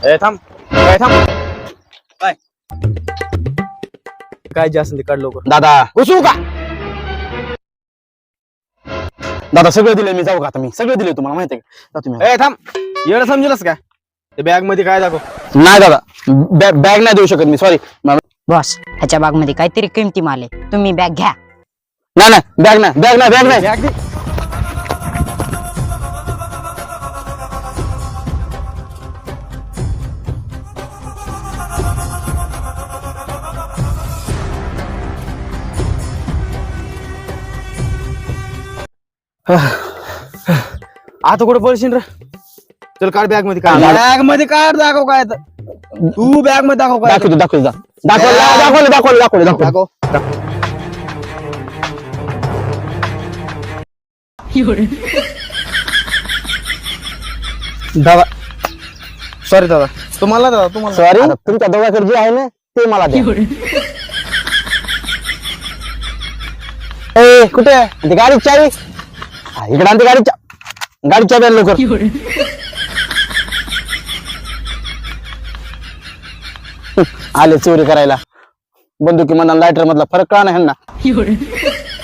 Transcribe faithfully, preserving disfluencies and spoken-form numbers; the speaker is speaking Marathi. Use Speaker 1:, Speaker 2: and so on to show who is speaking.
Speaker 1: ए थांब काय थांब काय काय जे असेल ते काढ लवकर.
Speaker 2: दादा घुसू का? दादा सगळं दिले मी, जाऊ का आता? मी सगळं दिले तुम्हाला माहिती आहे का? तुम्ही
Speaker 1: ए थांब एवढं समजलंस का? ते बॅग मध्ये काय दाखव.
Speaker 2: नाही दादा, बॅग नाही देऊ शकत मी, सॉरी.
Speaker 3: बॉस ह्याच्या बाग मध्ये काहीतरी किमती माल आहे, तुम्ही बॅग घ्या.
Speaker 2: नाही नाही बॅग नाही, बॅग नाही, बॅग नाही.
Speaker 1: बॅग दे. आता कुठे पळशील रे? चल काढ बॅग मध्ये काढ. बॅग मध्ये काढ, दाखव काय तर. तू बॅग मध्ये दाखव काय.
Speaker 2: दाखवतो दाखवतो दाखवलं दाखवलं दाखवलं दाखवलं दाखवलं
Speaker 1: दाखव. दादा सॉरी दादा, तुम्हाला दादा तुम्हाला
Speaker 2: सॉरी. तुमच्या दोघांकडे जे आहे ना ते मला द्या. ए कुठे आहे? ती गाडी चावी हा, इकडे आणते गाडी गाडी चावी आण लवकर. आले चोरी करायला. बंदुकी मधला लायटर मधला फरक का नाही ह्यांना?